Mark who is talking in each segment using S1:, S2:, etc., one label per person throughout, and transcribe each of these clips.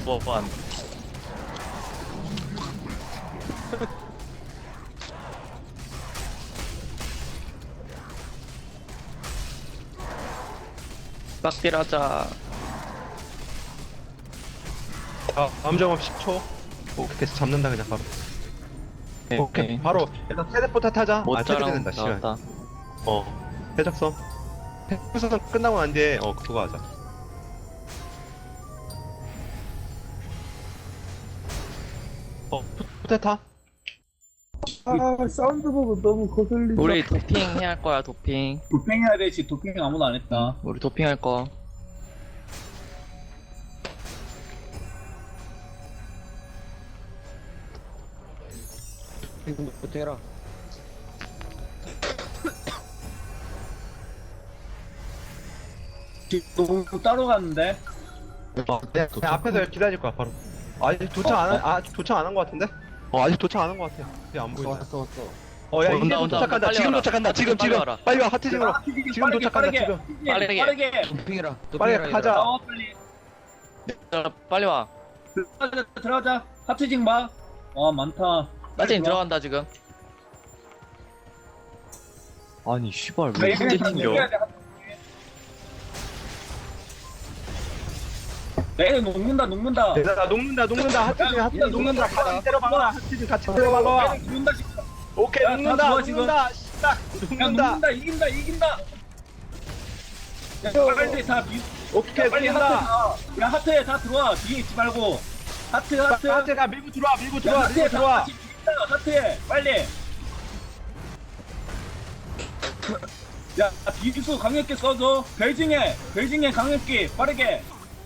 S1: 2번. 빡딜하자.
S2: 다음 점업 10초. 오케이, 잡는다 그냥 바로. 오케이, 바로 일단 테레포트 타자.
S1: 모짜랑
S2: 테레포트 된다 시간.
S1: 나왔다.
S2: 해적선. 해적선 끝나고 난 뒤에 그거 하자. 포테타.
S3: 아 사운드 보고 너무 거슬리다.
S1: 우리 도핑 해야 할 거야, 도핑.
S3: 도핑 해야 되지. 도핑 아무도 안 했다.
S1: 우리 도핑 할 거.
S4: 이거부터 해라.
S3: 지금 따로 갔는데.
S2: 내 앞에서 기다릴 거야 바로. 아직 도착 안 한 거 같은데? 아직 도착 안 한 거 같아. 이제 안 보인다.
S4: 왔어.
S2: 야 이제
S1: 온다,
S2: 도착한다.
S1: 빨리
S2: 지금
S1: 와라.
S2: 도착한다. 지금
S1: 빨리 와라.
S2: 빨리 와 하트징으로. 지금 도착한다 지금.
S3: 빠르게.
S4: 도핑해라.
S2: 빨리 가자.
S3: 빨리.
S1: 야, 빨리 와.
S3: 들어가자. 하트징 봐. 와 많다.
S1: 나진 들어간다, 지금. 아니, 씨발, 왜 이렇게 튕겨?
S3: 내 녹는다.
S2: 얘들아 녹는다. 하트징 녹는다. 같이 때려박아. 하트징 같이 때려박아.
S3: 녹는다 지금.
S2: 오케이
S3: 야, 다 좋아, 지금.
S2: 녹는다. 씨발 녹는다.
S3: 이긴다. 야, 빨리 다
S2: 오케이
S3: 빨리
S2: 녹는다.
S3: 하트. 야 하트에 다 들어와. 뒤에 있지 말고. 하트.
S2: 하트가 밀고 들어와.
S3: 하트에 다 같이 있다. 하트에 빨리. 야 비수 강력히 써줘. 베이징에 강력히 빠르게.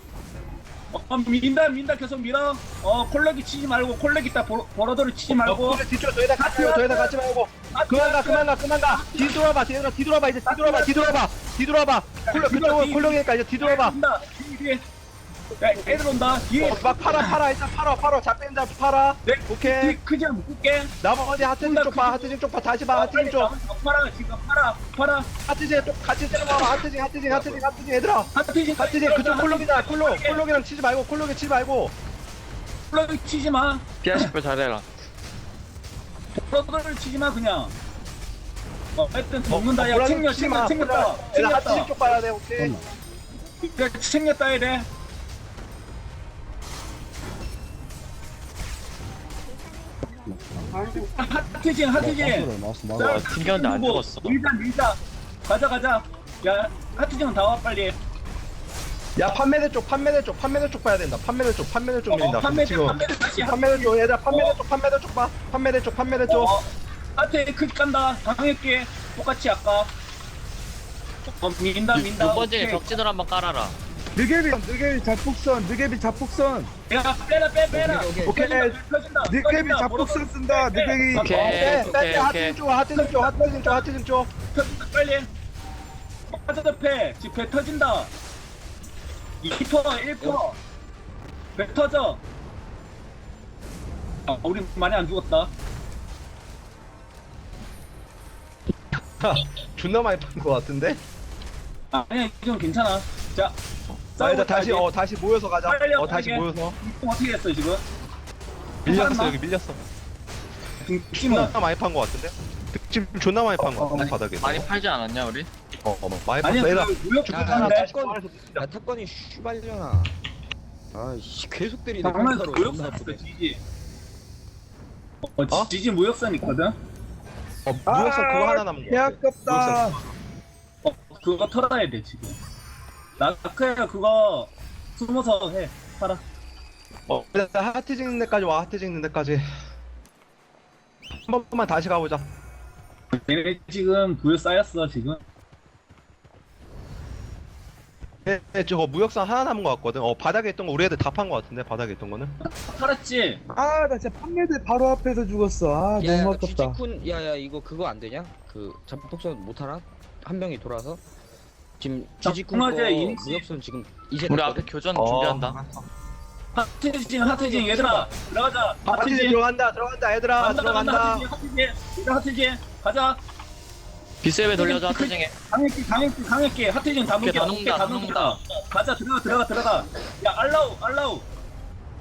S3: 민다 계속 밀어. 콜렉이 치지 말고 콜렉 있다. 버러더를 치지 말고.
S2: 그래, 뒤쪽 더 이상 같이 말고. 그만 가. 뒤돌아봐 이제 뒤돌아봐. 콜록이니까 이제 뒤돌아봐.
S3: 뒤에. 야 애들 온다. 뒤에.
S2: 막 팔아 일단 팔아 잡힌다 팔아. 오케이.
S3: 크지 않아 묶을게.
S2: 나머지 하트징 쪽 봐 다시 봐 하트징 쪽.
S3: 팔아 지금 팔아.
S2: 하트징 쪽 같이 때려봐. 하트징 얘들아. 하트징 그쪽 콜록이랑 치지 말고 콜록이
S3: 치지 마.
S1: 피아식별 잘해라.
S3: 버러더를 치지 마 그냥. 하여튼 먹는다. 야 챙겼다.
S2: 하트징 쪽 봐야 돼. 오케이.
S3: 야 챙겼다 해야 돼. 하트징.
S1: 튕겼는데 안 죽었어.
S3: 밀자. 가자. 야 하트징은 다 와 빨리.
S2: 야 판매대 쪽 봐야 된다. 판매대 쪽 밀린다.
S3: 다시
S2: 판매대 쪽 얘들아 판매대 쪽 봐. 판매대 쪽.
S3: 하트에 크게 깐다. 강했게 똑같이 아까. 민다.
S1: 6번 중에
S3: 오케이.
S1: 적진을 한번 깔아라.
S5: 느개비 잡폭선
S3: 야 빼라.
S2: 오케이.
S5: 느개비 잡폭선 쓴다. 느개비
S1: 오케이.
S2: 하트징 쪽.
S3: 터진다 빨리. 터져 배 터진다. 2%, 1%. 배 터져. 우리 많이 안 죽었다.
S2: 존나 많이 판 거 같은데?
S3: 아니야 지금 괜찮아. 자,
S2: 일단 다시 모여서 가자. 다시 모여서.
S3: 어떻게 했어 지금?
S2: 밀렸어 여기 밀렸어.
S3: 찜은
S2: 존나 많이 판 거 같은데? 득점 존나 많이 판 거 같은데 바닥에.
S1: 많이 팔지 않았냐, 우리?
S2: 많이
S3: 아니야
S2: 팠어. 얘들아.
S3: 그 무역 죽었는데.
S4: 야 탑건이 슈발려나. 아씨 계속 때리네.
S3: 장난에서
S4: 컴퓨터로.
S3: 무역선
S4: 존나
S3: 있어
S4: 아프네.
S3: 지지. 지지 무역선 있거든.
S2: 무역선 그거 하나 남은
S5: 개
S2: 거.
S5: 아깝다.
S3: 그거 털어야 돼 지금. 나크야 그거 숨어서 해. 팔아.
S2: 일단 하트 찍는 데까지 와. 하트 찍는 데까지. 한 번만 다시 가보자.
S3: 얘네 지금 부여 쌓였어 지금.
S2: 저거 무역선 하나 남은 거 같거든. 바닥에 있던 거 우리 애들 다 판 거 같은데 바닥에 있던 거는.
S3: 팔았지.
S5: 아 나 진짜 판매대 바로 앞에서 죽었어. 아
S4: 야야
S5: 너무 아깝다.
S4: 쥐지쿤 야야 이거 그거 안 되냐? 그 잡폭선 못 하나? 한 명이 돌아서 지금 쥐지쿤 거
S3: 맞아, 이니시.
S4: 무역선 지금 이제
S1: 우리
S4: 됐거든?
S1: 앞에 교전 준비한다.
S3: 하트징 얘들아 들어가자.
S2: 하트 들어간다 얘들아 들어간다.
S3: 하트징 가자.
S1: 비세베 돌려줘, 하트징에.
S3: 강했게 하트징 다
S1: 오케이,
S3: 녹여.
S1: 다 녹는다.
S3: 가자 들어가. 야 알라우.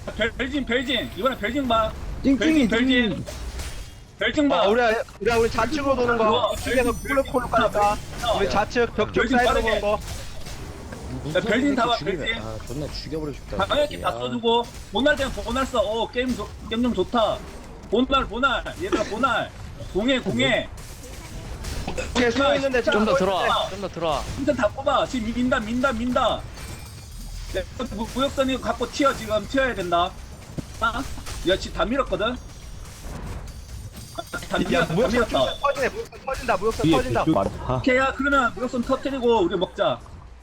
S3: 별진 이번에 별진 봐.
S5: 찡찡이
S3: 별진 별진 봐.
S2: 우리 좌측으로 도는 거. 우측에서 콜로 가니까. 우리 좌측 벽쪽
S3: 별진
S2: 사이드로
S3: 빠르게.
S2: 도는 거.
S3: 야, 별진 다 봐, 별진.
S4: 아 존나 죽여버리고 싶다.
S3: 강하게 다 써주고 보날 때는 보날 써. 게임 좀 좋다. 보날 얘들아 보날 공해
S2: 오케이, 서 있는데
S1: 좀 더
S3: 아.
S1: 들어와. 좀 더 들어와.
S3: 진짜 다 뽑아. 지금 민다. 네, 무역선 이거 갖고 지금 튀어야 된다. 아? 야 지금 다 밀었거든. 다
S2: 야, 무역선
S3: 밀었다.
S2: 터지네. 무역선 터진다.
S3: 오케이, 야 그러면 무역선 터뜨리고 우리 먹자.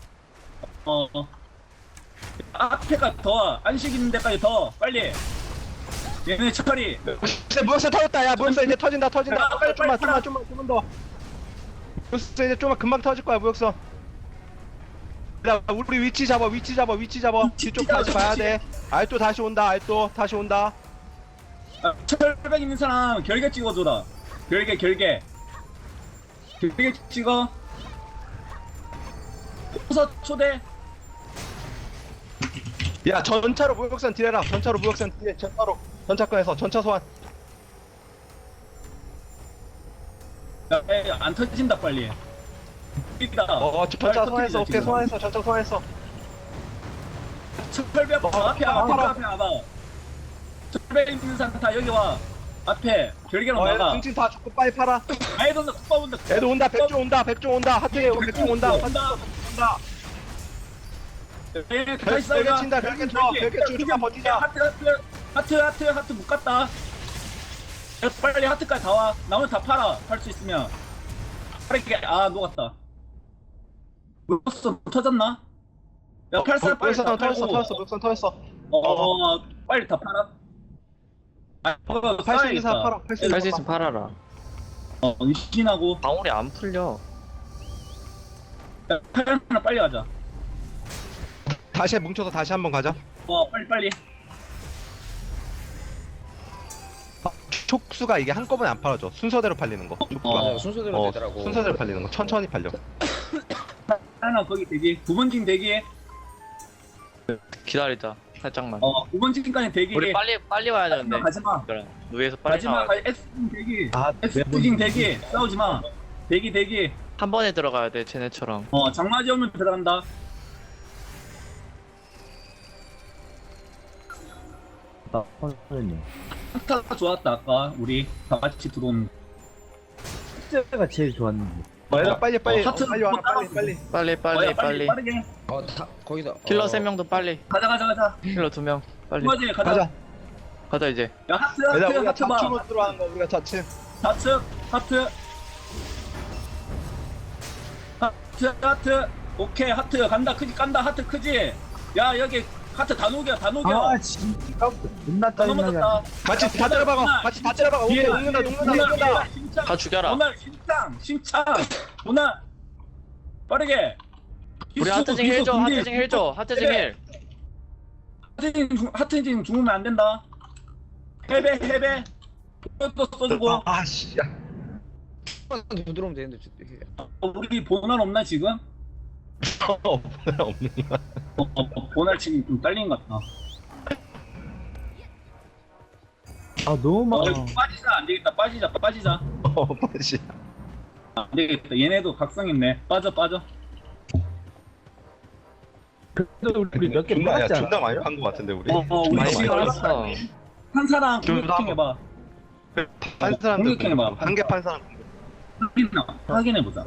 S3: 앞에가 더 안식 있는 데까지 더 빨리. 얘네 처리.
S2: 근데 무역선 터졌다. 야, 무역선 이제 터진다.
S3: 야, 빨리,
S2: 좀만
S3: 빨리.
S2: 더. 무역선 이제 좀만 금방 터질 거야, 무역선. 야, 우리 위치 잡아. 뒤쪽 다시 봐야 돼. 알또 다시 온다. 다시 온다.
S3: 철벽 있는 사람 결계 찍어줘라. 결계 찍어. 호서 초대.
S2: 야, 전차로 무역선 딜해라. 전차권에서 전차 소환.
S3: 야, 안 터진다 빨리. 있다.
S2: 전차 소환했어. 오케이, 소환했어. 전차 소환했어.
S3: 철벽 앞에 와봐. 철벽 있는 사람 다 여기 와. 앞에 결계로
S2: 얘들
S3: 나가.
S2: 등진 다 죽고 빨리 팔아.
S3: 애들 국밥 온다.
S2: 애들 온다. 백조 온다. 하트에 백조 온다.
S3: 다시 싸우자.
S2: 별개 친다. 별개 쳐. 좀만 버티자.
S3: 하트 못 갔다. 야, 빨리 하트까지 다 와. 나머지 다 팔아. 팔 수 있으면. 빠르게. 녹았다. 무슨 터졌나? 야, 팔사 빨리 다 팔고.
S2: 무역선 터졌어.
S3: 빨리 다 팔아.
S2: 팔 수 있는 사람 팔아.
S1: 할 수 있으면 팔아라.
S3: 유신하고.
S1: 방울이 안 풀려.
S3: 야, 팔면 빨리 가자.
S2: 다시 뭉쳐서 다시 한번 가자.
S3: 빨리.
S2: 촉수가 이게 한꺼번에 안 팔아줘. 순서대로 팔리는 거. 촉수가.
S4: 맞아요 순서대로 되더라고.
S2: 순서대로 팔리는 거. 천천히 팔려.
S3: 하나 거기 대기. 9번징 대기.
S1: 기다리자. 살짝만.
S3: 9번징까지 대기.
S1: 우리 빨리 와야 되는데.
S3: 가지마.
S1: 그래. 위에서 빨리
S3: 가지마.
S1: 나와.
S3: X징 대기.
S2: 아,
S3: X징 대기. 싸우지 마. 대기.
S1: 한 번에 들어가야 돼. 쟤네처럼.
S3: 장마지 오면 들어간다. 스타가 좋았다 아까 우리 다 같이 들어온.
S5: 가 제일 좋았는데.
S2: 얘들아 빨리
S3: 하트
S2: 빨리 와. 빨리.
S1: 빨리.
S3: 빠르게.
S4: 다 거기다.
S1: 킬러 3명도 빨리.
S3: 가자.
S1: 킬러 2명. 빨리.
S3: 맞지
S2: 가자.
S1: 가자 이제.
S3: 야 하트
S2: 얘들아 우리가
S3: 하트 봐.
S2: 좌측으로 들어가는 거. 우리가 좌측.
S3: 하트. 오케이 하트 간다. 크지 깐다. 하트 크지. 야 여기 하트 다 녹여.
S5: 진짜 존나
S3: 다
S5: 짜증나게.
S3: 넘어졌다.
S2: 같이 다 때려박아. 오케이, 녹는다.
S1: 다 죽여라.
S3: 오늘 신창. 오늘 빠르게.
S1: 우리 하트징 힐 줘. 하트징 힐.
S3: 하트징 죽으면 안 된다. 해배. 또 써주고.
S2: 아씨. 야.
S4: 부드러우면 되는데
S3: 우리 보날 없나 지금?
S2: 없는 거야.
S3: 보날 지금 좀 딸린 것 같다.
S5: 너무 많아.
S3: 빠지자 안 되겠다. 빠지자.
S2: 빠지.
S3: 안 되겠다. 얘네도 각성했네. 빠져.
S5: 그래도 우리 몇 개
S2: 존나
S5: 팔았잖아.
S2: 존나 많이 판 거 같은데 우리.
S3: 우리
S1: 많이
S3: 지금
S1: 팔았어.
S3: 한 사람
S2: 좀
S3: 공격해봐.
S2: 판 사람들
S3: 공격해봐.
S2: 한 개 판 사람.
S3: 확인해보자.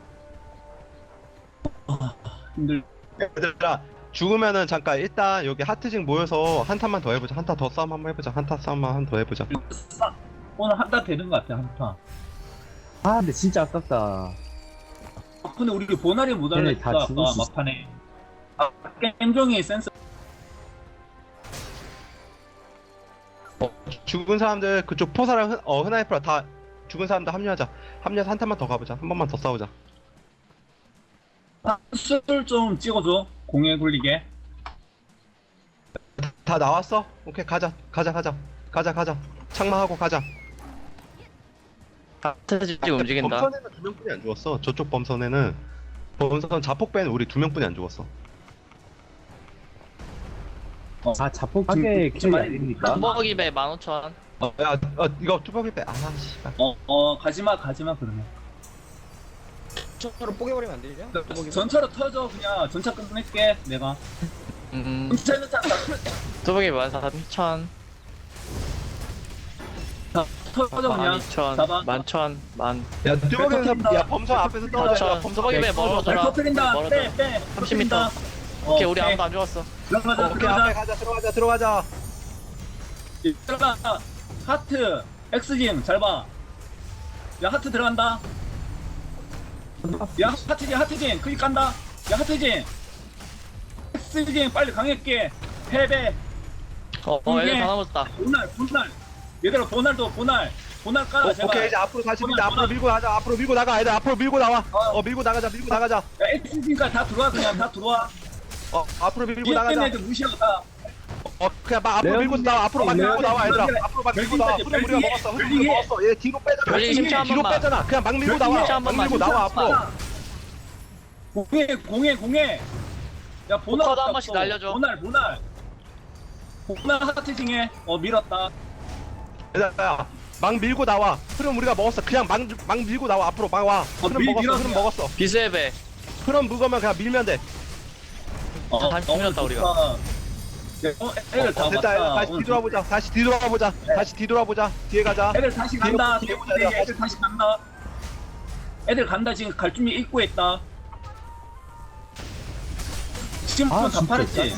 S3: 힘들.
S2: 얘들아 죽으면은 잠깐 일단 여기 하트징 모여서 한타만 더 해보자. 한타 더 싸움 한번 해보자. 한타 싸움만 한 더 해보자.
S3: 오늘 한타 되는 것 같아. 한타.
S5: 근데 진짜 아깝다.
S3: 근데 우리 보날이 못
S5: 얘네
S3: 알려줬다.
S5: 다
S3: 아까
S5: 죽을 수 있어.
S3: 막판에. 게임종이 센스.
S2: 죽은 사람들 그쪽 포사랑 흔하이프라 다 죽은 사람들 합류하자. 합류해서 한타만 더 가보자. 한 번만 더 싸우자.
S3: 술 좀 찍어줘. 공에 굴리게.
S2: 다 나왔어? 오케이 가자. 창마하고 가자.
S1: 하트징 움직인다.
S2: 범선에는 2명뿐이 안 죽었어. 저쪽 범선 자폭 빼는 우리 2명뿐이 안 죽었어.
S5: 아, 자폭하게
S3: 지금
S5: 캐리 안 됩니까?
S1: 뚜벅이배 15,000.
S2: 이거 뚜벅이 빼. 아, 씨발.
S3: 가지마 그러면.
S4: 저로 뽀개버리면 안 되냐? 뚜벅이.
S3: 전차로 터져 그냥 전차 끝낼게 내가. 전차는 차
S1: 뚜벅이 14,000.
S3: 터져 그냥.
S1: 12,000.
S3: 잡아.
S1: 11,000. 만.
S2: 야, 뚜벅이에서
S3: 터뜨린다.
S2: 야, 범선 앞에서 떨어져.
S1: 4,000.
S2: 범선
S1: 뚜벅이배 멀어져라.
S3: 터뜨린다.
S1: 멀어져.
S3: 빼.
S1: 30m. 오케이, 우리 아무도 안 죽었어.
S3: 들어가자.
S2: 오케이, 앞에 가자. 들어가자.
S3: 들어가. 하트 X짐 잘 봐. 야 하트 들어간다. 야 하트짐 클릭 간다. 야 하트짐 X짐 빨리 강했게 패배.
S1: 얘들 다 넘었다.
S3: 보날 얘들아 보날 깔아 제발.
S2: 오케이, 이제 앞으로 다시
S3: 보날,
S2: 밀자. 앞으로
S3: 보날.
S2: 밀고 나가. 앞으로 밀고 나가. 애들 앞으로 밀고 나와.
S3: 어.
S2: 밀고 나가자.
S3: 야 X짐까지 다 들어와 그냥 다 들어와.
S2: 앞으로 밀고
S3: 뒤에 있는
S2: 나가자.
S3: 애들 무시하다.
S2: 그냥 막 앞으로 밀고 나와. 앞으로 막 밀고 나와, 얘들아. 앞으로 막 밀고 나와. 흐름 우리가 먹었어. 흐름 우리가 먹었어. 얘 뒤로 빼잖아.
S1: 별링 심차 한
S2: 뒤로
S1: 번만.
S2: 빼잖아. 그냥 막 밀고
S3: 별링
S2: 나와.
S1: 심차 한
S2: 막
S1: 번만.
S2: 밀고 나와 앞으로.
S3: 공해. 야 보날
S1: 포커도 한 번씩 날려줘.
S3: 보날 하트징해. 밀었다.
S2: 얘들아, 막 밀고 나와. 흐름 우리가 먹었어. 그냥 막 밀고 나와. 앞으로 막 와. 흐름 먹었어.
S1: 비스의
S2: 흐름 먹으면 그냥 밀면 돼.
S1: 다시 밀었다, 우리가.
S3: 애들 다
S2: 됐다.
S3: 왔다.
S2: 다시 뒤돌아보자. 다시 뒤돌아보자. 뒤에 가자.
S3: 애들 다시 간다.
S2: 뒤에 보자,
S3: 애들 다시 간다. 애들 간다. 지금 갈 준비 입구에 있다. 지금부터 다 팔았지.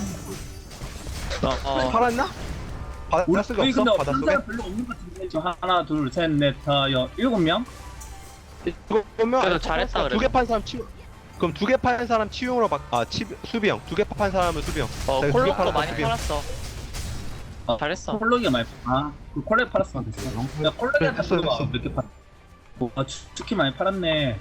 S2: 팔았나? 받았을
S3: 우리
S2: 게
S3: 근데
S2: 없어? 받았을
S3: 사람 별로 없는 것 같은데. 지금 하나, 둘, 셋, 넷, 다, 7명?
S2: 그러면
S1: 그래도 잘했다, 그래도.
S2: 두개 판 사람 치유. 그럼 두 개 판 사람 치용으로 수비형. 두 개 판 사람은 수비형. 두개
S1: 콜록도
S2: 팔았다,
S1: 많이
S2: 수비형.
S1: 팔았어. 잘했어.
S3: 콜록이 많이 그 콜렉 팔았으면 됐어. 야, 콜렉한테
S2: 됐어,
S3: 물어봐.
S2: 됐어.
S3: 몇개 팔? 특히 많이 팔았네.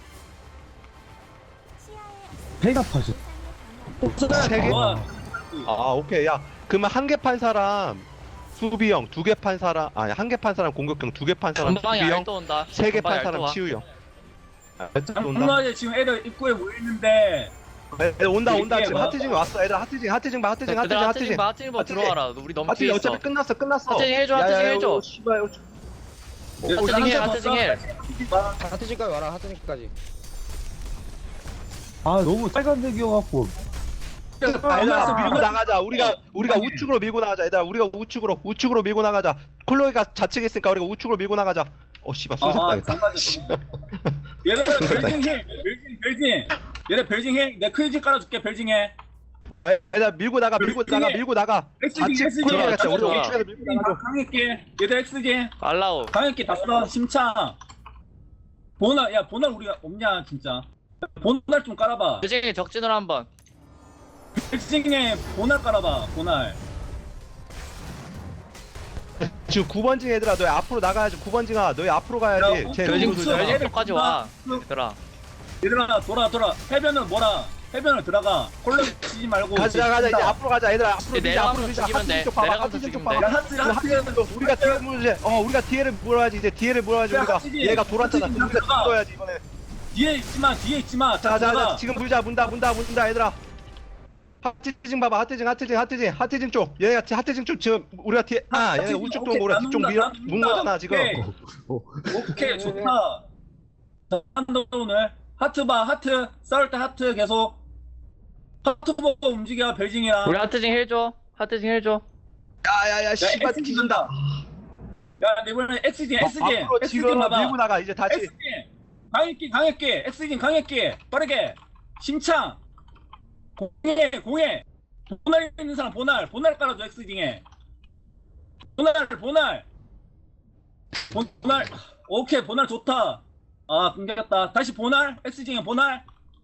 S5: 배가 퍼져.
S2: 세 개?
S3: 와,
S2: 오케이. 야, 그러면 한 개 판 사람 수비형, 두 개 판 사람 한 개 판 사람 공격형, 두 개 판 사람
S1: 전방에
S2: 수비형,
S1: 알또 온다.
S2: 세 개
S1: 전방에
S2: 판 사람
S1: 알또 와.
S2: 치유형. 온다.
S3: 장난이야. 지금 애들 입구에 모여있는데.
S2: 온다.
S3: 이게
S2: 지금
S3: 뭐-
S2: 하트징 왔어. 애들 하트징 봐.
S1: 얘들아, 하트징 봐, 들어와라. 우리 너무
S2: 하트징
S1: 뒤에 있어.
S2: 어차피 끝났어.
S1: 하트징 해줘.
S2: 씨발.
S1: 하트징 해.
S4: 하트집까지 와라. 하트집까지.
S5: 아, 너무 빨간색이어갖고.
S2: 얘들아, 밀고 나가자. 우리가 우측으로 밀고 나가자. 얘들아, 우리가 우측으로 밀고 나가자. 콜로이가 좌측에 있으니까 우리가 우측으로 밀고 나가자. 씨발, 쏘셨다.
S3: 얘들아, 별징 해. 내가 크리지 깔아줄게, 별징 해.
S2: 얘들아, 밀고 나가.
S3: XG.
S2: 콜로이가
S1: 자,
S2: 우리가
S1: 좋아.
S2: 우측에서 밀고 나가자.
S3: 강했게. 얘들 XG.
S1: 알라우.
S3: 강했게 다 써. 심창. 보날 우리가 없냐, 진짜. 보날 좀 깔아봐.
S1: 그중에 적진으로 한번.
S3: 별징에 보날 깔아봐, 보날.
S2: 지금 9번징 얘들아, 너희 앞으로 나가야지. 9번징아, 너희 앞으로 가야지.
S3: 야,
S2: 쟤
S3: 별징
S2: 누구
S3: 우측.
S2: 들잖아.
S1: 별징까지 와. 얘들아.
S3: 얘들아, 돌아. 해변을 들어가. 콜렉 치지 말고.
S2: 가자. 이제 앞으로 가자. 얘들아, 앞으로 밀자.
S1: 내려가면서
S2: 앞으로 밀자.
S1: 죽이면 돼.
S2: 하트징 쪽 봐봐.
S1: 내려가면서
S2: 하트징 쪽
S1: 죽이면 돼.
S2: 봐봐.
S3: 야, 하트.
S2: 우리가 뒤에 물지. 우리가 뒤에를 몰아야지. 이제 뒤에를 몰아야지.
S3: 야,
S2: 우리가
S3: 하트징.
S2: 얘가 돌았잖아.
S3: 하트징
S2: 우리가
S3: 들어가.
S2: 뒤어야지 이번에.
S3: 뒤에 있지마. 다
S2: 자,
S3: 들어가.
S2: 지금 문다 얘들아. 하트징 봐봐. 하트징 쪽. 얘가 하트징 쪽 지금 우리가 뒤에 얘가
S3: 하트징,
S2: 우측
S3: 오케이,
S2: 쪽 우리가 뒤쪽
S3: 나눈다.
S2: 문 거잖아 지금.
S3: 오케이, 좋다. 자, 한다 오늘. 하트 봐, 하트. 싸울 때 하트 계속. 하트 보고 움직여, 별징이랑.
S1: 우리 하트징 해줘.
S2: 야야야 씨발
S3: XG
S2: 뒤진다.
S3: 간다. 야, 이번에 XG
S2: 앞으로 지금
S3: 봐봐.
S2: 밀고 나가 이제 다시.
S3: XG 강했게 XG 강했게 빠르게 심창 공해 보날 있는 사람 보날 깔아줘. XG에 보날 오케이. 보날 좋다. 끊겼다. 다시 보날 XG에 보날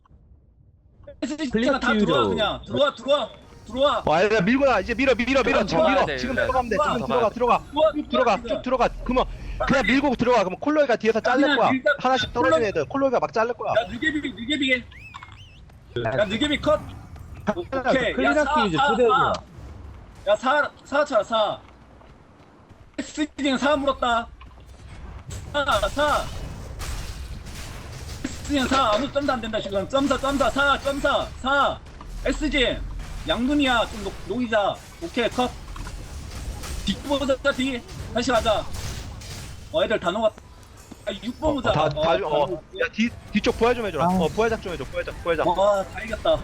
S3: XG가 다 들어와. 그냥 들어와.
S2: 얘들아 밀고 나. 이제 밀어. 지금
S1: 들어가야 돼,
S2: 지금
S1: 이제.
S2: 들어가면 돼. 지금
S1: 들어가야
S2: 들어가. 쭉 들어가. 그러면 그냥 밀고 들어가. 그러면 콜로이가 뒤에서 자를 거야.
S3: 일단
S2: 하나씩 떨어진 애들. 콜로이가 막 자를 거야.
S3: 야, 느개비 컷. 오케이.
S5: 클리나키 이제 초대해줘.
S3: 야, 4 쳐라, 4. XG는 4 물었다. 4. XG는 4. 아무 점도 안 된다, 지금. 점사. 4. XG. 양눈이야 좀 녹이자. 오케이 컷. 뒷보자 뒤 다시 가자. 애들 다 녹았다. 6번 보자.
S2: 야 뒤쪽 부활 좀 해줘라.
S5: 아.
S2: 부활작 좀 해줘. 부활작.
S3: 와다 이겼다.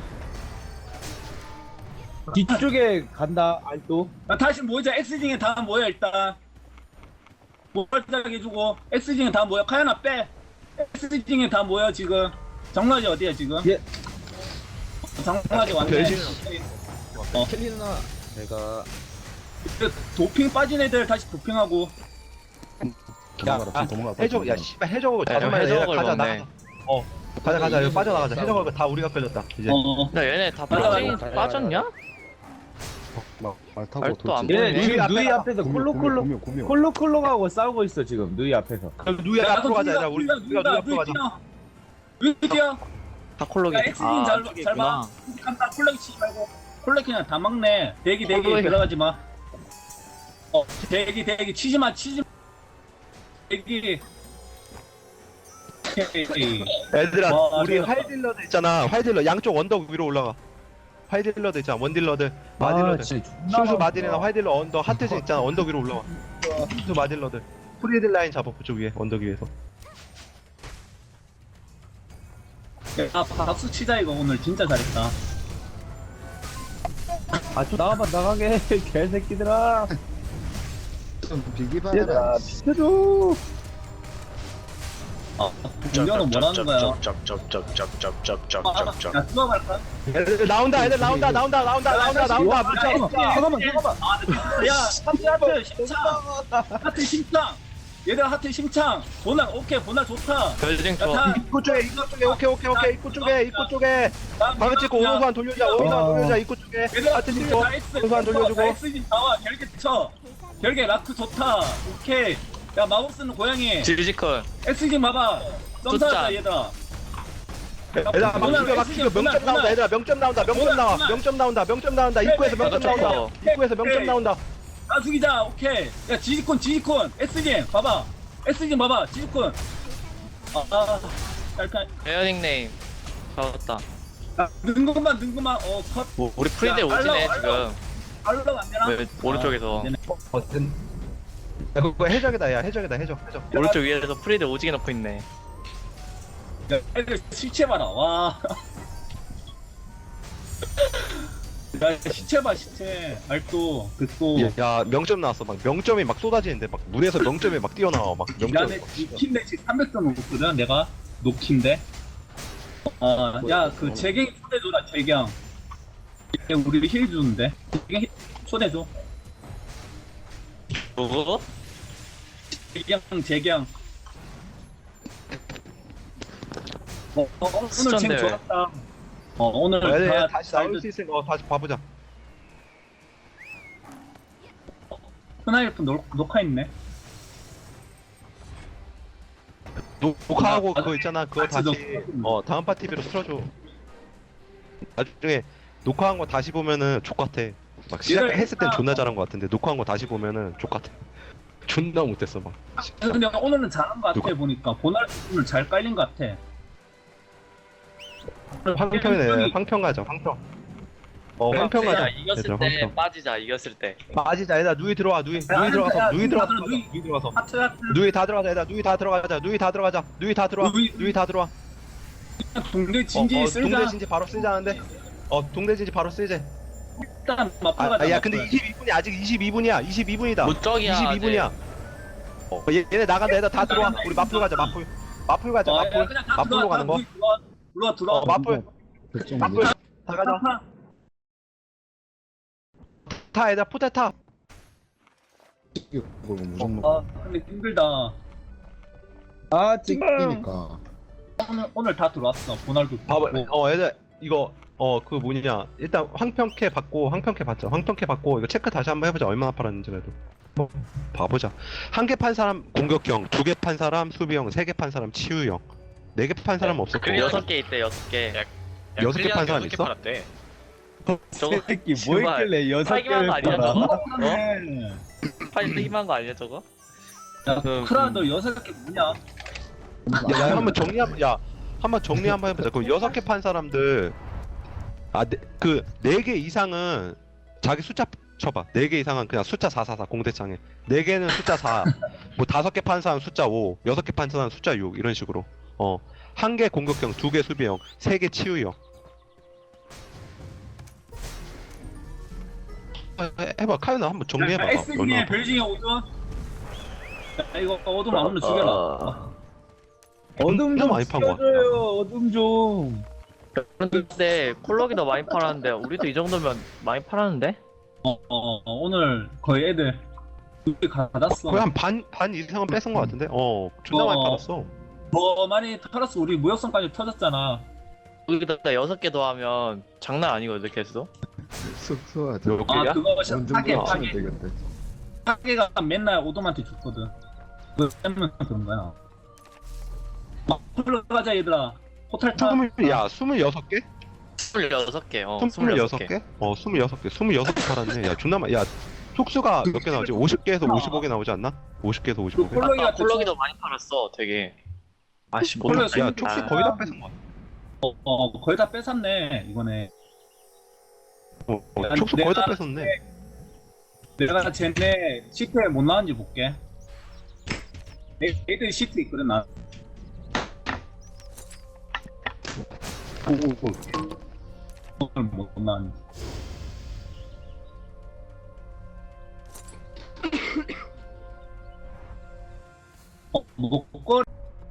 S5: 뒤쪽에 간다 알또.
S3: 야, 다시 모이자. X징에 다 모여 일단. 모발작 해주고 X징에 다 모여. 카야나 빼. X징에 다 모여 지금. 정라지 어디야 지금?
S5: 예.
S3: 정라지 왔네.
S2: 별신.
S4: 켈리 누나 내가
S3: 도핑 빠진 애들 다시 도핑하고.
S2: 해적 야 씨발 해적을
S1: 야,
S2: 잡으면 얘네
S1: 해적을
S2: 가자
S1: 먹네.
S2: 나가. 가자 여기 빠져나가자. 해적을 다 우리가 끌렸다 이제.
S1: 나 얘네 다
S3: 맞아,
S1: 빠진
S4: 맞아.
S1: 빠졌냐?
S6: 말 타고
S1: 말도 안
S5: 얘네
S1: 보이네.
S5: 지금 누이
S2: 앞에다가
S5: 앞에서 콜록콜록하고 싸우고 있어 지금 누이 앞에서.
S2: 누이 앞으로 가자. 얘들아 우리가 누이 앞으로 가자.
S3: 위디야.
S1: 다 콜록이.
S3: 야, X님 잘 봐. 깜빡 콜렉 치지 말고. 콜렉 그냥 다 막네. 대기 들어가지 마. 대기 치지 마. 대기.
S2: 얘들아
S3: 와,
S2: 우리
S3: 맞아.
S2: 활딜러들 있잖아. 활딜러 양쪽 언덕 위로 올라가. 활딜러들 있잖아. 원딜러들 마딜러들. 순수 마딜이나 활딜러 언덕 하트진 있잖아. 언덕 위로 올라와. 순수 마딜러들. 프리딜 라인 잡아 그쪽 위에 언덕 위에서.
S3: 박수 치자 이거 오늘 진짜 잘했다.
S5: 아좀 나가게 개새끼들아.
S6: 비기바라
S5: 얘들아 비켜줘.
S3: 공격은 뭐라는 거야? 야 수업할까?
S2: 애들 나온다.
S5: 잠깐만.
S3: 야 하트 심창. 얘들아 하트 심창. 보날 오케이 보날 좋다.
S1: 별징 쳐.
S3: 야,
S2: 입구 쪽에 오케이 입구 쪽에 방금 찍고 오른손 돌려자 입구 쪽에 하트 찍고 오른손 돌려주고.
S3: X진 나와 결계 쳐. 결계 라크 좋다. 오케이. 야 마법 쓰는 고양이.
S1: 지지컬.
S3: X진 봐봐. 점사했다
S1: 숫자.
S3: 얘들아.
S2: 얘들아 막 죽여 명점 나온다. 얘들아 명점 나온다. 입구에서 명점 나온다.
S3: 아 죽이자. 오케이. 야 지지콘 X진 봐봐. X진 봐봐. 지지콘. 약간
S1: 에어닉 네임. 잡았다.
S3: 능금만 컷.
S1: 우리 프리딜
S3: 야,
S1: 오지네
S3: 알로.
S1: 지금.
S3: 알로가 안 되나?
S1: 왜 오른쪽에서.
S2: 야 그거 해적이다. 야 해적.
S1: 오른쪽 위에서 프리딜 오지게 넣고 있네.
S3: 야, 애들 시체 봐라. 와. 야 시체 봐 시체. 알또 그또.
S2: 야 명점 나왔어. 막 명점이 막 쏟아지는데 막 문에서 명점이 막 뛰어나와. 막 명점.
S3: 야내 노킨데 지금 300점 넘었거든. 내가 노킨데. 야 그 재경 초대줘라 재경. 얘 우리 힐 주는데. 재경 초대줘.
S1: 누구?
S3: 재경. 오늘
S1: 수전
S3: 쟁
S1: 대회.
S3: 좋았다. 오늘
S2: 얘들
S3: 다
S2: 다시 나올 수 있으니까 다시 봐보자.
S3: 스나이프 녹화했네.
S2: 녹화하고 그거 있잖아. 그거
S3: 같이
S2: 다시 다음 파 TV로 틀어줘. 나중에 녹화한 거 다시 보면은 족같아. 막 시작했을 땐 존나 잘한 거 같은데 녹화한 거 다시 보면은 족같아. 존나 못했어 막.
S3: 근데 오늘은 잘한 것 같아.
S2: 누가?
S3: 보니까 보날 오늘 잘 깔린 것 같아.
S2: 황평이네. 황평 가자. 황평. 황평 가자.
S1: 이겼을
S2: 얘들아,
S1: 때
S2: 황평.
S1: 빠지자. 이겼을 때.
S2: 빠지자. 얘들아 누이 들어와. 누이
S3: 야,
S2: 들어가서
S3: 야,
S2: 누이 들어가서
S3: 누이.
S2: 누이 들어가서.
S3: 하트
S2: 누이 다 들어가자. 얘들아 누이 다 들어가자. 누이 다 들어와. 누이 다 들어와.
S3: 동대 진지 쓸자.
S2: 동대 진지 바로 쓰자는데. 동대 진지 바로 쓰자.
S3: 일단 마파가.
S2: 야 근데 22분이 아직 22분이야. 22분이다.
S1: 무적이야.
S2: 22분이야. 얘네 나간다. 얘들 다 들어와. 우리 마풀 가자. 마풀 가자. 마풀로 가는 거.
S3: 들어와.
S2: 마풀 다 가자. 타 얘들아 포탈 타.
S6: 무조건
S3: 근데 힘들다.
S6: 찍히니까
S3: 오늘 다 들어왔어. 보날도.
S2: 봐봐. 얘들 이거 그 뭐냐. 일단 황평캐 받자. 황평캐 받고 이거 체크 다시 한번 해보자. 얼마나 팔았는지 그래도. 봐보자. 한 개 판 사람 공격형, 2개 판 사람 수비형, 3개 판 사람 치유형, 4개 판 사람 없었고.
S1: 6개 있대 6개.
S2: 6개 판 사람 있어?
S1: 저거
S5: 새끼 뭐 있길래 6개를
S1: 거 아니야
S5: 팔아.
S1: 저거? 팔 힘한 거 아니야 저거?
S3: 야, 크라 너 6개 뭐냐?
S2: 야, 한번 정리 한번 해보자. 그럼 6개 판 사람들 그 4개 이상은 자기 숫자 쳐봐. 4개 이상은 그냥 숫자 444 공대창에. 4개는 숫자 4. 뭐 5개 판 사람 숫자 5, 6개 판 사람 숫자 6 이런 식으로. 1개 공격형, 2개 수비형, 3개 치유형. 해봐. 카이나 한번 정리해봐.
S3: SD의 벨징의 오전. 이거 어둠 아무나 죽여라.
S5: 어둠 좀
S2: 많이 판거 같다.
S5: 죽여줘요. 어둠 좀.
S1: 근데 콜록이 더 많이 팔았는데 우리도 이 정도면 많이 팔았는데?
S3: 오늘 거의 애들 두개 받았어.
S2: 거의 한 반 이상은 뺏은 거 같은데? 존나 많이 팔았어.
S3: 더 많이 털었어. 우리 무역선까지 터졌잖아.
S1: 여기다 6개 더하면 장난 아니거든 개수.
S6: 쏘아지.
S2: 몇 개야?
S3: 그거
S6: 원정
S3: 파괴
S6: 치면
S3: 파괴
S6: 되겠다.
S3: 파괴가 맨날 오돔한테 죽거든. 그거 때문에 그런 거야. 풀러가자 얘들아. 호텔 타.
S2: 26개?
S1: 26개
S2: 26개? 26개. 26개 팔았네. 야, 존나 많이. 야, 촉수가 몇 개 나오지? 50개에서 55개 나오지 않나? 50개에서 55개.
S3: 콜록이가
S1: 콜록이 더 많이 팔았어 되게. 아씨 못
S3: 콜록이
S2: 야, 촉수 거의 다 뺏은 거야.
S3: 거의 다 뺏었네 이번에.
S2: 촉수 거의 다 뺏었네.
S3: 내가 쟤네 시트에 못 나왔는지 볼게. 애들 시트 있거든 나. 오늘 못 나왔는지. 목걸.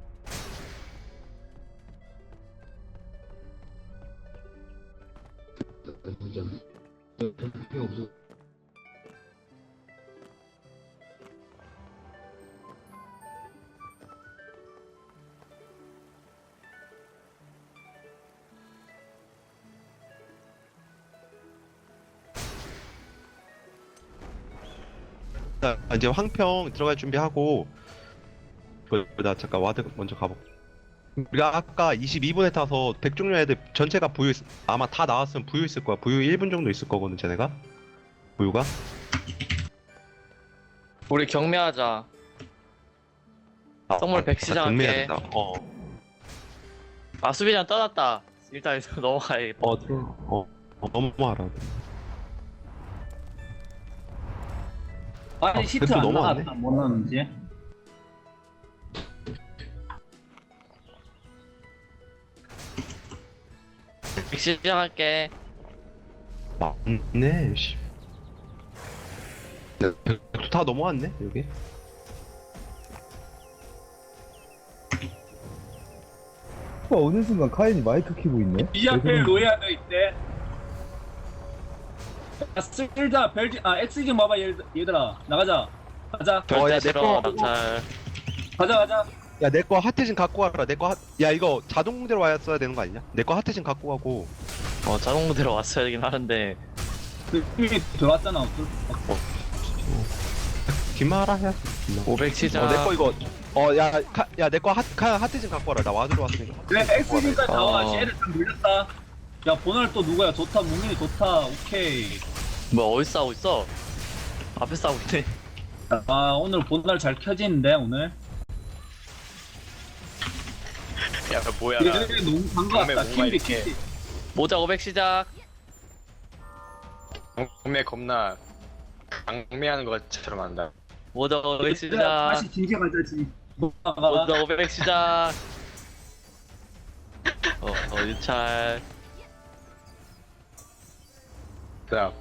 S2: 자, 이제 황평 들어갈 준비하고. 나 잠깐 와드 먼저 가볼게. 우리가 아까 22분에 타서 백종류 애들 전체가 부유 아마 다 나왔으면 부유 있을 거야. 부유 1분 정도 있을 거거든, 쟤네가. 부유가.
S1: 우리 경매하자. 선물 100
S2: 경매해야
S1: 시작할게.
S2: 된다.
S1: 아 수비장 떠났다. 일단 넘어가야겠다.
S2: 넘어와라.
S3: 아니 시트
S2: 백도
S3: 안
S2: 넘어왔네.
S3: 나갔다 못 나왔는지.
S1: 시작할게.
S2: 맞네, 씨. 야, 백도 다 넘어왔네, 여기.
S5: 어느 순간 카인이 마이크 키고 있네.
S3: 이 앞에 로이아도 있대. 야, 쓸자 벨지 엑스진 봐봐 얘들아 나가자. 가자
S2: 야,
S1: 절대
S2: 내
S1: 싫어
S2: 거.
S1: 낙찰.
S3: 가자.
S2: 야, 내 거 하트진 갖고 와라. 야, 이거 자동 공대로 왔어야 되는 거 아니냐? 내 거 하트진 갖고 가고.
S1: 자동무대로 왔어야 되긴 하는데
S3: 이미 들어왔잖아.
S2: 기마라 해야지.
S1: 500 시작.
S2: 내 거 이거. 야, 내 거 하트진 갖고 와라. 나 와드로 왔으니까.
S3: 그래 엑스진까지 나와.
S1: 어.
S3: 얘를 좀 밀렸다. 야 보널 또 누구야? 좋다 무민이 좋다. 오케이.
S1: 뭐 어디 싸우고 있어? 앞에 싸우고 있네.
S3: 아 오늘 보널 잘 켜지는데 오늘.
S7: 야 뭐야
S3: 얘들이 너무 반가웠다.
S7: 몸에 뭔가
S3: 킴비
S7: 이렇게.
S3: 킴비.
S1: 모자 500 시작.
S7: 경매 겁나 강매하는 것처럼 한다.
S1: 모자 500 시작.
S3: 다시 진지 가자 진.
S1: 모자 500 시작. 유찰.
S7: 그냥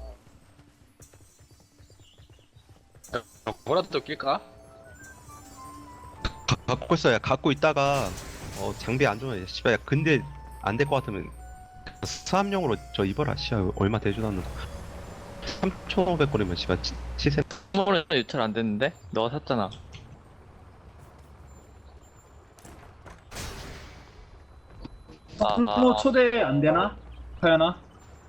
S7: 뭐라도 낄까?
S2: 갖고 있어. 야, 갖고 있다가 장비 안 좋으면 씨발. 야, 근데 안 될 것 같으면 수압용으로 저 입어라. 씨발 얼마 되지도 않는 거. 3,500거리면 씨발 시세.
S1: 선물은 유찰 안 됐는데? 너가 샀잖아.
S3: 뭐 초대 안 되나? 카야나?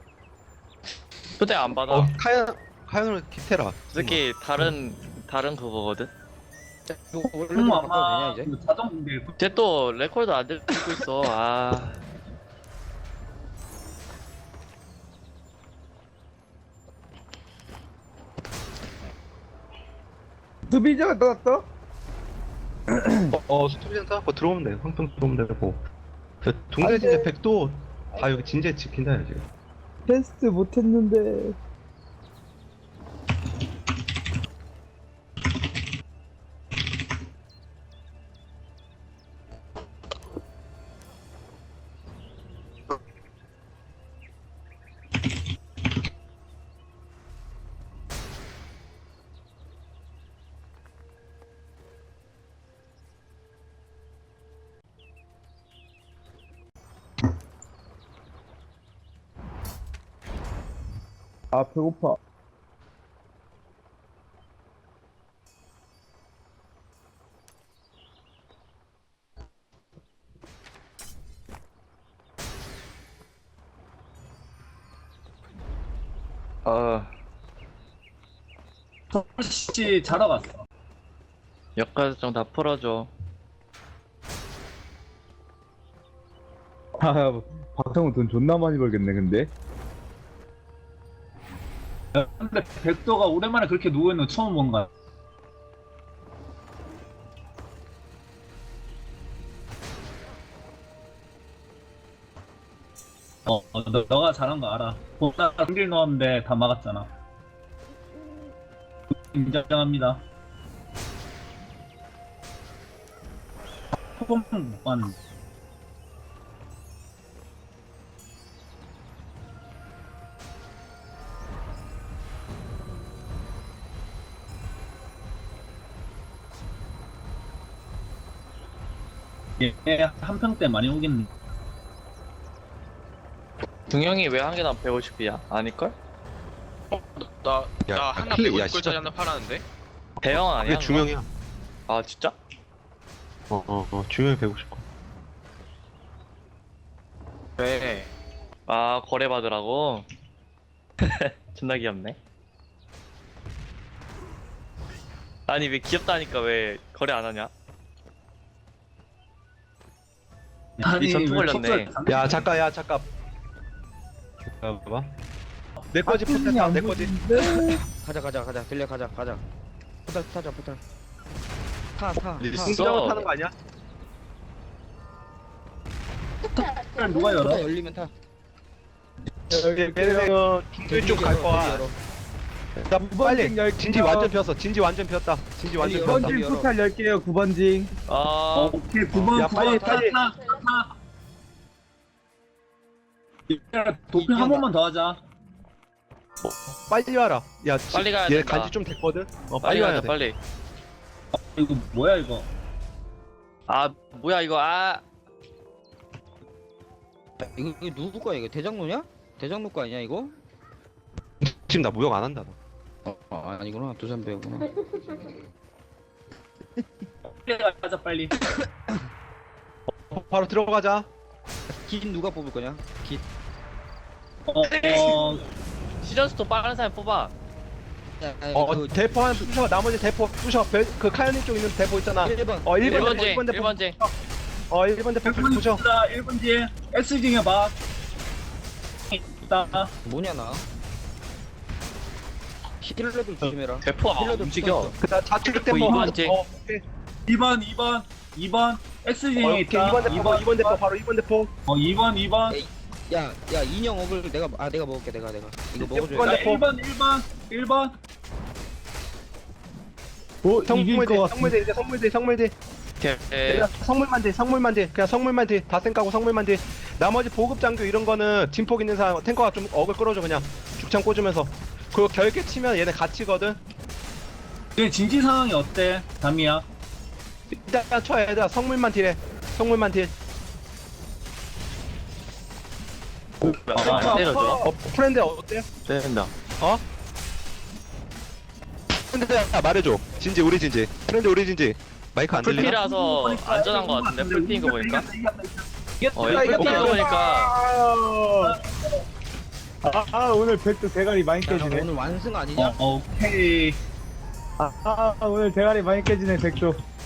S1: 초대 안 받아.
S2: 카연으로 기태라.
S1: 솔직히 다른 그거거든.
S4: 이거 원래대로 바꿔도
S3: 아마
S4: 되냐 이제?
S3: 자동 공대.
S1: 쟤 또 레코드 안 들고 있어. 아.
S5: 수비자가 나왔다?
S2: 스토리장 따갖고 들어오면 돼. 황평 들어오면 되고. 동대 진짜 백도 아 여기 진짜 지킨다 야 지금.
S5: 테스트 못했는데. 아, 배고파.
S3: 서울시 자러 갔어.
S1: 역가정 다 풀어줘.
S5: 아, 박성우 돈 존나 많이 벌겠네, 근데.
S3: 근데 백도가 오랜만에 그렇게 누워있는 거 처음 본 거야. 너가 잘한 거 알아. 보다 경기를 넣었는데 다 막았잖아. 인정합니다. 포범 못 봤는데. 얘 한평 때 많이 오겠네.
S1: 중형이 왜 한 개당 150이야? 아닐걸?
S7: 나
S2: 야,
S7: 하나
S2: 클릭, 야,
S7: 150골짜리
S2: 진짜.
S7: 하나 팔았는데?
S1: 대형 아니야?
S2: 이게 중형이야.
S1: 아 진짜?
S2: 중형이 150고.
S7: 왜?
S1: 아 거래 받으라고? 존나 귀엽네. 아니 왜 귀엽다니까 왜 거래 안 하냐? 이 전투 걸렸네.
S2: 야 잠깐 야 잠깐. 봐봐. 내 거지 포탈 내 거지.
S4: 가자 들려 가자 포탈 타자 포탈 타
S2: 승부장으로 타는 거 아니야?
S3: 누가 열어?
S4: 포탈 열리면 타
S2: 여기 배는 중길 쪽갈 거야. 나 빨리. 진지 완전 피었어. 진지 완전 피었다. 진지 완전
S4: 열어.
S2: 피었다.
S5: 9번징 포탈 10개요, 9번징.
S1: 아
S3: 오케이 9번
S2: 야, 빨리,
S3: 9번
S2: 빨리.
S3: 타. 도핑 한 번만 더 하자.
S2: 빨리 와라. 야,
S1: 빨리 가야
S2: 얘
S1: 된다.
S2: 간지 좀 됐거든.
S1: 빨리
S2: 빨리 와야
S1: 가자
S2: 돼.
S1: 빨리.
S3: 이거 뭐야 이거?
S1: 아 뭐야 이거 아
S4: 이거 누구 거야 이거 대장로냐? 대장로 거 아니야 이거?
S2: 지금 나 무역 안 한다. 너.
S4: 아니구나 두산배구나
S3: 빨리 가자 빨리.
S2: 바로 들어가자.
S4: 긴 누가 뽑을 거냐? 긴
S1: 시전스토 빠른 사람 뽑아.
S2: 대포 하나 부셔. 나머지 대포 부셔. 그 카이오님 쪽 있는 대포 있잖아.
S4: 1번
S2: 1번
S1: 1번째
S2: 대포, 1번 대포.
S1: 1번째.
S2: 1번 대포
S3: 1번
S2: 부셔.
S3: 1번 뒤에 S징에 봐. 있다.
S4: 뭐냐 나 힐러들 조심해라
S1: 대포 안
S4: 힐러들
S1: 움직여.
S4: 붙어있어.
S2: 그다음 좌측 대포.
S1: 2번째.
S2: 오케이.
S3: 2번 S징에
S2: 오케이.
S3: 있다.
S2: 2번 대포. 2번 대포 바로 2번 대포.
S3: 2번.
S4: 야 인형 억을 내가 먹을게 내가 이거
S2: 이번
S4: 먹어줘야 돼
S2: 대포.
S3: 1번.
S5: 오, 이길
S2: 성물대
S5: 것 같아.
S2: 성물대 이제 성물대.
S1: 오케이.
S2: 그냥 성물만 돼. 그냥 성물만 돼. 다 쌩까고 성물만 돼. 나머지 보급 장교 이런 거는 진폭 있는 사람 탱커가 좀 억을 끌어줘 그냥 죽창 꽂으면서. 그리고 결계 치면 얘네 갇히거든.
S3: 얘 진지 상황이 어때? 담이야.
S2: 일단 쳐 얘들아 성물만 딜해. 성물만 딜.
S1: 안 때려줘.
S2: 프렌드 어때?
S1: 때린다.
S2: 프렌드 말해줘. 진지 우리 진지. 프렌드 우리 진지. 마이크 안 들리나?
S1: 풀피라서 안전한 거 같은데 풀피인 거 보니까.
S3: 이겼다.
S1: 야 풀피인 거 보니까.
S5: 오늘 백도 대가리 많이
S4: 야,
S5: 깨지네.
S4: 오늘 완승 아니냐?
S3: 오케이.
S5: 오늘 대가리 많이 깨지네, 백도.